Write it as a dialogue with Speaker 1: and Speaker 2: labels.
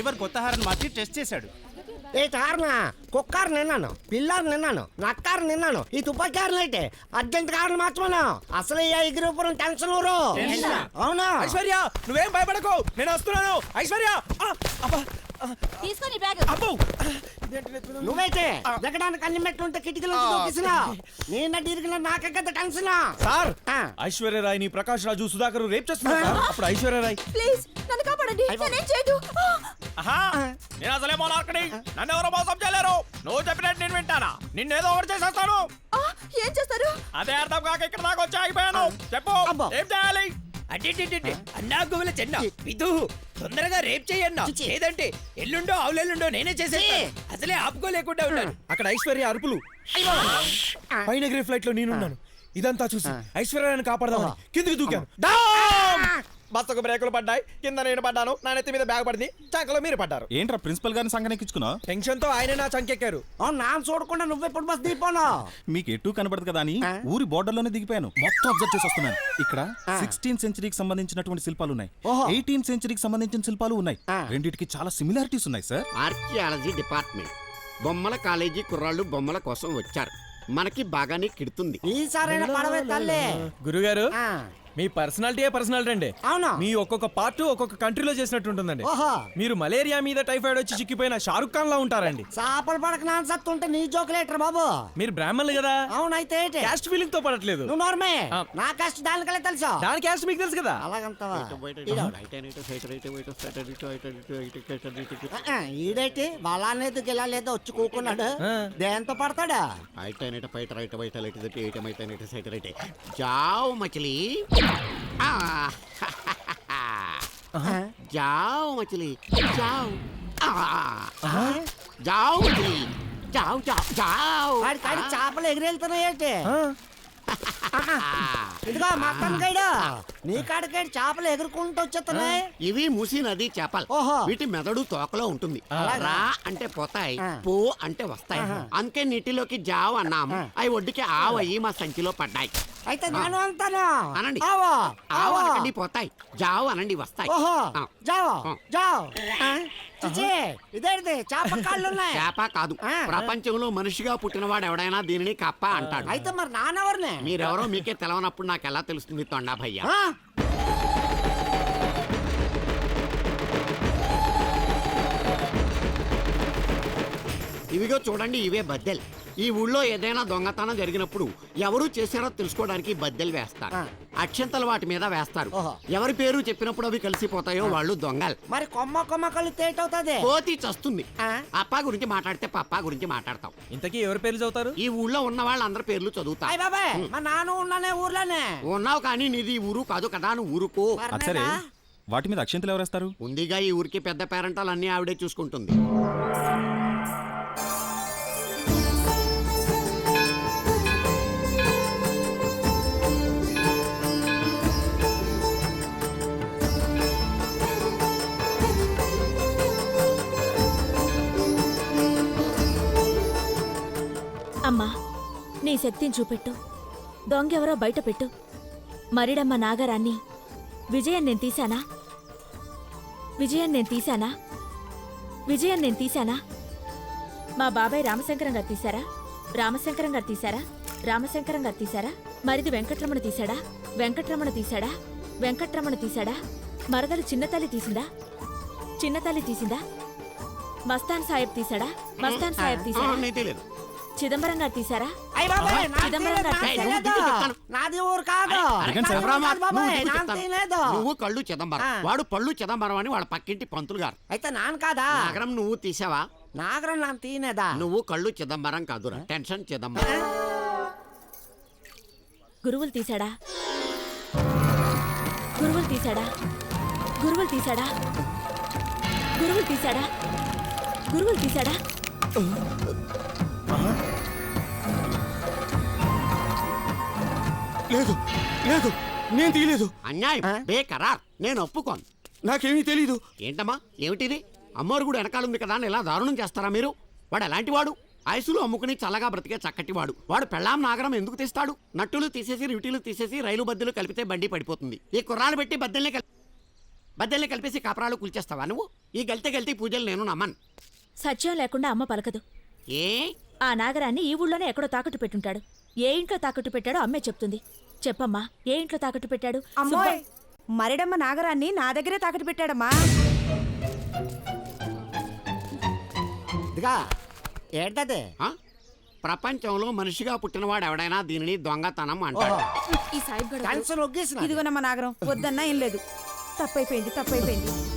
Speaker 1: Driver కొత్త horn మార్చి test చేశాడు.
Speaker 2: ఏ కారణా కుక్కారు నిన్నాను, పిల్లారు నిన్నాను, నక్కారు నిన్నాను, ఈ తుపాకారులు అయితే అర్జెంట్ కారణం మార్చమను. అసలు ఈ ఎగిరిపురం టెన్షన్ ఊరు. అవునా
Speaker 3: ఐశ్వర్య, నువ్వేం భయపడకు, నేను వస్తున్నాను. ఐశ్వర్య
Speaker 4: తీసుకొని బ్యాగ్.
Speaker 2: నువ్వైతే దిగడానికి అన్ని మెట్లు ఉంటే కిటికీలో దూకిసినా నేను ఇరిగిన నాకే కదా టెన్షన్.
Speaker 3: సార్, ఐశ్వర్య రాయ్ ని ప్రకాష్ రాజు సుధాకర్ రేప్ చేస్తున్నారు సార్. అప్పుడు ఐశ్వర్య రాయ్
Speaker 4: ప్లీజ్ నన్ను కాపాడండి, నేనేం చేయదు.
Speaker 3: నేను అసలే మోనార్కని, నన్ను ఎవరో మోసం చేయలేరు. నువ్వు చెప్పినట్టు నేను వింటానా? నిన్నేదో ఒకటి చేసేస్తాను.
Speaker 4: ఏం చేస్తారు?
Speaker 3: అదే అర్థం కాక ఇక్కడ దాకా వచ్చి ఆగిపోయాను. చెప్పు, ఏం చేయాలి?
Speaker 5: అన్నా గువ్వల చెన్న విధు, తొందరగా రేప్ చేయన్నా, లేదంటే ఎల్లుండో అవులెల్లుండో నేనే చేసేస్తాను. అసలే ఆపుకోలేకుండా ఉన్నాను.
Speaker 3: అక్కడ ఐశ్వర్య అరుపులు, పైన ఎగిరే ఫ్లైట్ లో నేనున్నాను. ఇదంతా చూసి ఐశ్వర్యాన్ని కాపాడదామని కిందికి దూకాను. బస్సుకు బ్రేకులు పడ్డాయి, కింద నేను పడ్డాను, నా నెత్తి మీద బ్యాగ్ పడింది, చంకలో మీరు పడ్డారు.
Speaker 1: ఏంట్రా ప్రిన్సిపల్ గారిని సంగనెక్కించుకున్నావు?
Speaker 3: టెన్షన్ తో ఆయన నా చంకెక్కారు.
Speaker 2: నా చూడకుండా నువ్వెప్పుడు బస్ దిగిపోను.
Speaker 1: మీకు ఎటు కనబడదు కదా అని ఊరి బోర్డర్ లోనే దిగిపోయాను. మొత్తం అబ్జర్వ్ చేసి వస్తున్నాను. ఇక్కడ 16th సెంచరీకి సంబంధించినటువంటి శిల్పాలు ఉన్నాయి, 18th సెంచరీకి సంబంధించిన శిల్పాలు ఉన్నాయి. రెండింటికి చాలా సిమిలారిటీస్ ఉన్నాయి సార్.
Speaker 6: ఆర్కియాలజీ డిపార్ట్మెంట్ బొమ్మల కాలేజీ కుర్రాళ్ళు బొమ్మల కోసం వచ్చారు. మనకి బాగానే కిడుతుంది.
Speaker 2: ఈసారైనా పడవే తల్లి.
Speaker 3: గురుగారు, మీ పర్సనాలిటీ పర్సనాలిటీ అండి.
Speaker 2: అవునా?
Speaker 3: మీ ఒక్కొక్క పార్ట్ ఒక్కొక్క కంట్రీలో చేసినట్టు ఉంటుందండి. మీరు మలేరియా మీద టైఫాయిడ్ వచ్చి చిక్కిపోయిన షారుఖ్ ఖాన్ లా ఉంటారండి.
Speaker 2: చేపలు పడక నాన్న సత్తుంటే నీ జోకులేటర్ బాబు.
Speaker 3: మీరు బ్రాహ్మణులు కదా.
Speaker 2: అవునైతే
Speaker 3: క్యాస్ట్ ఫీలింగ్ తో పడట్లేదు.
Speaker 2: నువ్వు నోర్మే, నా క్యాస్ట్ దానికలే తెలుసా?
Speaker 3: దాని క్యాస్ట్ మీకు తెలుసు కదా.
Speaker 2: అలాగంతవా? ఈడైతే బలానేది గిలాలేదో వచ్చి కూకున్నాడు. దేంతో పడతాడా?
Speaker 6: जाओ मछली, जाओ मछली, जाओ, जाओ मछली, जाओ जाओ जाओ.
Speaker 2: కాడి చేపలు ఎగిరెళ్తున్నాయేంటి? ఇదిగో మటన్ గైడ్, నీ కాడికాడి చేపలు ఎగురుకుంటూ వచ్చేస్తున్నాయి.
Speaker 6: ఇవి మూసి నది చేపలు. వీటి మెదడు తోకలో ఉంటుంది. రా అంటే పోతాయి, పో అంటే వస్తాయి. అందుకే నీటిలోకి జావ్ అన్నాము. అవి ఒడ్డుకి ఆవయ్యి మా సంచిలో పడ్డాయి.
Speaker 2: అయితే నేను అంటాను
Speaker 6: అనండి.
Speaker 2: ఆవో
Speaker 6: ఆవు అనకండి పోతాయి, జావ్ అనండి వస్తాయి.
Speaker 2: జావో జావ్. ఇదేంటి చేప కాళ్ళు ఉన్నాయి?
Speaker 6: చేప కాదు, ప్రపంచంలో మనిషిగా పుట్టినవాడు ఎవడైనా దీనిని కప్ప అంటాడు.
Speaker 2: అయితే మరి నానెవరిని?
Speaker 6: మీరెవరో మీకే తెలవనప్పుడు నాకు ఎలా తెలుస్తుంది తొండా భయ్యా? ఇవిగో చూడండి, ఇవే బద్దెలు. ఈ ఊళ్ళో ఏదైనా దొంగతనం జరిగినప్పుడు ఎవరు చేశారో తెలుసుకోవడానికి బద్దెలు వేస్తారు. అక్షంతలు వాటి మీద వేస్తారు. ఎవరి పేరు చెప్పినప్పుడు అవి కలిసిపోతాయో వాళ్ళు దొంగలు.
Speaker 2: మరి కొమ్మ కొమ్మ కలిస్తే ఏటవుతుంది?
Speaker 6: కోతి చస్తుంది. అప్పా గురించి మాట్లాడితే పప్పా గురించి మాట్లాడతాం.
Speaker 3: ఇంతకీ ఎవరి పేర్లు చదువుతారు?
Speaker 6: ఈ ఊళ్ళో ఉన్న వాళ్ళందరి పేర్లు చదువుతా.
Speaker 2: బాబాయ్, మా నాన్న ఉన్నానే ఊర్లోనే.
Speaker 6: ఉన్నావు కానీ నీది ఊరు కాదు కదా, నువ్వు ఊరుకో.
Speaker 1: సరే, వాటి మీద అక్షంతలు ఎవరేస్తారు?
Speaker 6: ఉందిగా ఈ ఊరికి పెద్ద పేరెంటాలు అన్ని ఆవిడే చూసుకుంటుంది.
Speaker 4: అమ్మా, నీ శక్తిని చూపెట్టు. దొంగెవరో బయట పెట్టు. మరిడమ్మ నాగరాన్ని విజయం నేను తీశానా? విజయం నేను తీశానా? విజయం నేను తీశానా? మా బాబాయ్ రామశంకరం గారు తీశారా? రామశంకరం గారు తీశారా? రామశంకరం గారు తీశారా? మరిది వెంకట్రమణ తీశాడా? వెంకట్రమణ తీశాడా? వెంకట్రమణ తీశాడా? మరదలు చిన్నతల్లి తీసిందా? చిన్నతల్లి తీసిందా? మస్తాన్ సాహెబ్ తీశాడా? మస్తాన్ సాహెబ్ తీశాడా? చిదంబరం గారు తీశారా? చిదంబరం గారు తీశారా?
Speaker 2: నాది ఊరు కాదు.
Speaker 6: నువ్వు కళ్ళు చిదంబరం, వాడు పళ్ళు చిదంబరం అని వాళ్ళ పక్కింటి పంతులు గారు.
Speaker 2: అయితే నాన్న కాదా?
Speaker 6: నాగరం నువ్వు తీసావా?
Speaker 2: నాగరం నాన్న తీనేదా?
Speaker 6: నువ్వు కళ్ళు చిదంబరం కాదురా, టెన్షన్ చిదంబరం.
Speaker 4: గురువులు తీశాడా? గురువులు తీశాడా? గురువులు తీశాడా? గురువులు తీశాడా? గురువులు తీశాడా?
Speaker 3: లేదు లేదు, నేను తీయలేదు.
Speaker 6: అన్యాయం, బేకరార్, నేను ఒప్పుకోను.
Speaker 3: నాకేమీ తెలీదు.
Speaker 6: ఏంటమ్మా ఏమిటిది? అమ్మవారు కూడా వెనకాలంది కదా అని ఇలా దారుణం చేస్తారా మీరు? వాడు ఎలాంటి వాడు? ఐసులు అమ్ముకుని చల్లగా బ్రతికే చక్కటి వాడు. వాడు పెళ్ళాం నాగరం ఎందుకు తీస్తాడు? నట్టులు తీసేసి రిటీలు తీసేసి రైలు బద్దెలు కలిపితే బండి పడిపోతుంది. ఈ కుర్రాలు పెట్టి బద్దెల్ని కలిపేసి కాపరాలు కూల్చేస్తావా నువ్వు? ఈ గల్తీ పూజలు నేను నమ్మను.
Speaker 4: సత్యం లేకుండా అమ్మ పలకదు.
Speaker 6: ఏ
Speaker 4: ఆ నాగరాన్ని ఈ ఊళ్ళోనే ఎక్కడో తాకట్టు పెట్టుంటాడు. ఏ ఇంట్లో తాకట్టు పెట్టాడో అమ్మే చెప్తుంది. చెప్పమ్మా, ఏ ఇంట్లో తాకట్టు పెట్టాడు?
Speaker 7: అమ్మోయ్, మరిడమ్మ నాగరాన్ని నా దగ్గరే తాకట్టు పెట్టాడమ్మా.
Speaker 2: ఇదిగా ఏంటది?
Speaker 6: ఆ? ప్రపంచంలో మనిషిగా పుట్టినవాడు ఎవడైనా దీనిని దొంగతనం అంటాడు.
Speaker 7: ఈ సాయిబ్ గడ
Speaker 2: టెన్షన్ ఒగ్గేసిన
Speaker 7: ఇదిగోనమ్మ నాగరం, వద్దన్నా ఏం లేదు. తప్పైపోయింది.